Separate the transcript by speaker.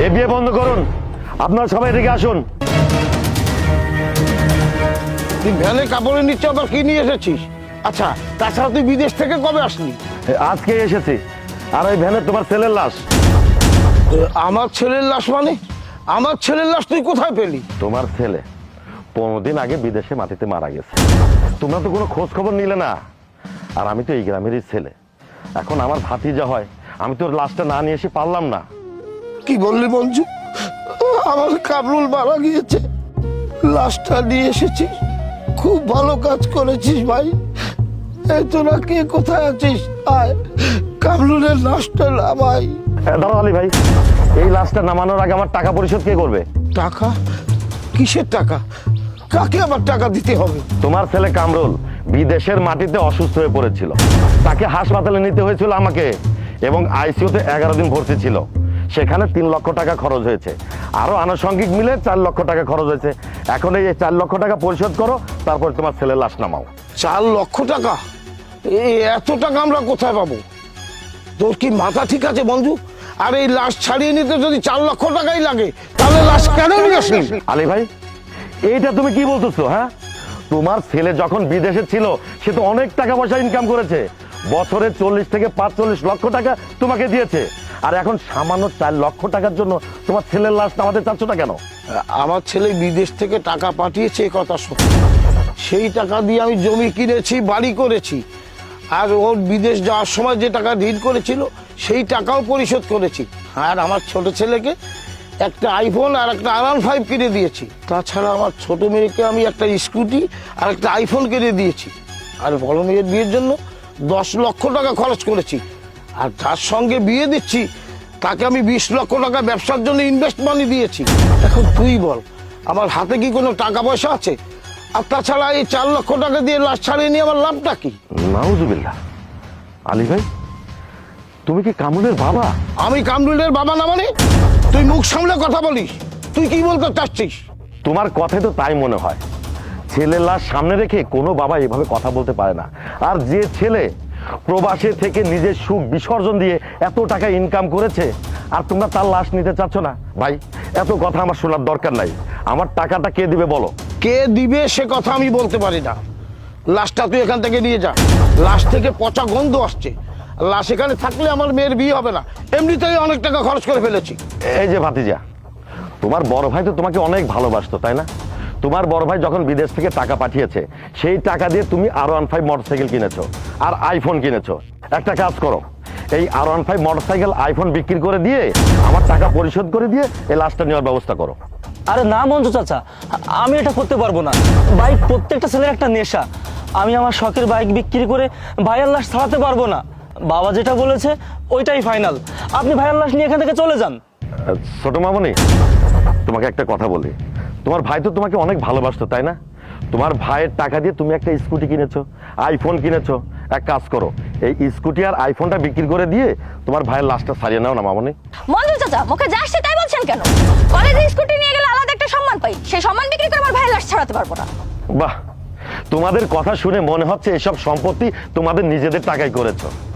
Speaker 1: এ বিয়ে বন্ধ করুন, আপনারা সবাই এদিকে আসুন।
Speaker 2: তুই ভ্যানে কাপড়ে নিচ্ছে, আবার কি নিয়ে এসেছিস? আচ্ছা, তাছাড়া তুই বিদেশ থেকে কবে আসলি?
Speaker 1: আজকে এসেছি। আর ওই ভ্যানে তোমার ছেলের লাশ।
Speaker 2: আমার ছেলের লাশ মানে? আমার ছেলের লাশ তুই কোথায় পেলি?
Speaker 1: তোমার ছেলে 15 দিন আগে বিদেশে মাটিতে মারা গেছে, তোমরা তো কোনো খোঁজ খবর নিলে না। আর আমি তো এই গ্রামেরই ছেলে, এখন আমার ভাতিজা হয়, আমি তোর লাশটা না নিয়ে এসে পারলাম না।
Speaker 2: কি বললি মঞ্জু? আমার কামরুল মারা গিয়েছে, লাশটা নিয়ে এসেছিস? খুব ভালো কাজ করেছিস ভাই। এই তোরা কে কোথায় আছিস? আয়, কামরুলের লাশটা নামাই।
Speaker 1: দাঁড়াও আলী ভাই, এই লাশটা নামানোর আগে আমার টাকা পরিশোধ কে করবে?
Speaker 2: টাকা? কিসের টাকা? কাকে আবার টাকা দিতে হবে?
Speaker 1: তোমার ছেলে কামরুল বিদেশের মাটিতে অসুস্থ হয়ে পড়েছিল, তাকে হাসপাতালে নিতে হয়েছিল আমাকে, এবং আইসিইউতে 11 দিন ভর্তি ছিল। সেখানে 3 লক্ষ টাকা খরচ হয়েছে, আরো আনুষঙ্গিক মিলে 4 লক্ষ টাকা খরচ হয়েছে। এখন এই 4 লক্ষ টাকা পরিশোধ করো, তারপর তোমার ছেলের লাশ নামাও।
Speaker 2: 4 লক্ষ টাকা? এত টাকা আমরা কোথায় পাবো? তোর কি মাথা ঠিক আছে মঞ্জু? আর এই লাশ ছাড়িয়ে নিতে যদি 4 লক্ষ টাকাই লাগে, তাহলে লাশ কেন নিয়ে আসিস?
Speaker 1: আলী ভাই, এইটা তুমি কি বলতেছো? হ্যাঁ, তোমার ছেলে যখন বিদেশে ছিল সে তো অনেক টাকা পয়সা ইনকাম করেছে, বছরে 40 থেকে 45 লক্ষ টাকা তোমাকে দিয়েছে, আর এখন সামান্য 4 লক্ষ টাকার জন্য তোমার ছেলের লাশ নামাতে চাচ্ছ না কেন?
Speaker 2: আমার ছেলে বিদেশ থেকে টাকা পাঠিয়েছে, এ কথা সত্যি। সেই টাকা দিয়ে আমি জমি কিনেছি, বাড়ি করেছি, আর ওর বিদেশ যাওয়ার সময় যে টাকা ঋণ করেছিল সেই টাকাও পরিশোধ করেছি। আর আমার ছোট ছেলেকে একটা আইফোন আর একটা R15 কিনে দিয়েছি। তাছাড়া আমার ছোট মেয়েকে আমি একটা স্কুটি আর একটা আইফোন কিনে দিয়েছি। আর বড় মেয়ের বিয়ের জন্য 10 লক্ষ টাকা খরচ করেছি। আর যার সঙ্গে বিয়ে দিচ্ছি তাকে আমি 20 লক্ষ টাকা ব্যবসার জন্য ইনভেস্ট মানি দিয়েছি। এখন তুই বল, আমার হাতে কি কোনো টাকা পয়সা আছে? আর তাছাড়া এই 4 লক্ষ টাকা দিয়ে লাশ ছাড়িয়ে নিয়ে আমার লাভটা কি?
Speaker 1: নাউজুবিল্লাহ। আলী ভাই, তুমি কি কামরুলের বাবা?
Speaker 2: আমি কামরুলের বাবা না মানে? তুই মুখ সামলে কথা বলিস। তুই কি বলতে চাচ্ছিস?
Speaker 1: তোমার কথাই তো তাই মনে হয়। ছেলের লাশ সামনে রেখে কোনো বাবা এভাবে কথা বলতে পারে না। আর যে ছেলে প্রবাসে থেকে নিজের সুখ বিসর্জন দিয়ে এত টাকা ইনকাম করেছে, আর তোমরা তার লাশ নিতে চাচ্ছ না? ভাই, এত কথা আমার শোনার দরকার নাই। আমার টাকাটা কে দিবে বলো?
Speaker 2: কে দিবে সে কথা আমি বলতে পারি না। লাশটা তুই এখান থেকে নিয়ে যা। লাশ থেকে পচা গন্ধ আসছে। লাশ এখানে থাকলে আমার মেয়ের বিয়ে হবে না। এমনিতেই অনেক টাকা খরচ করে ফেলেছি।
Speaker 1: এই যে ভাতিজা, তোমার বড় ভাই তো তোমাকে অনেক ভালোবাসতো, তাই না? তোমার বড় ভাই যখন বিদেশ থেকে টাকা পাঠিয়েছে, সেই টাকা দিয়ে তুমি R15 মোটরসাইকেল কিনেছো আর আইফোন কিনেছো। একটা কাজ করো, এই R15 মোটরসাইকেল আইফোন বিক্রি করে দিয়ে আমার টাকা পরিশোধ করে দিয়ে এই লাশটা নেওয়ার ব্যবস্থা করো।
Speaker 3: আরে না মঞ্জু চাচা, আমি এটা করতে পারবো না। বাইক প্রত্যেকটা ছেলের একটা নেশা। আমি আমার শখের বাইক বিক্রি করে ভাইয়ের লাশ ছাড়াতে পারবো না। বাবা যেটা বলেছে ওইটাই ফাইনাল। আপনি ভাইয়ের লাশ নিয়ে এখান থেকে চলে যান।
Speaker 1: ছোট মামনি, তোমাকে একটা কথা বলি, তোমার ভাই তো তোমাকে অনেক ভালোবাসতো, তাই না? তোমার ভাইয়ের টাকা দিয়ে তুমি একটা স্কুটি কিনেছো, আইফোন কিনেছো। এক কাজ করো, এই স্কুটি আর আইফোনটা বিক্রি করে দিয়ে তোমার ভাইয়ের লাশটা ছাড়িয়ে নাও না মামনি।
Speaker 4: মঞ্জু চাচা, মুখে যা আসছে তাই বলছেন কেন? কলেজে স্কুটি নিয়ে গেলে আলাদা একটা সম্মান পাই, সেই সম্মান বিক্রি করে আমার ভাইয়ের লাশ ছাড়াতে পারবো না।
Speaker 1: বাহ, তোমাদের কথা শুনে মনে হচ্ছে এসব সম্পত্তি তোমাদের নিজেদের টাকায় করেছো।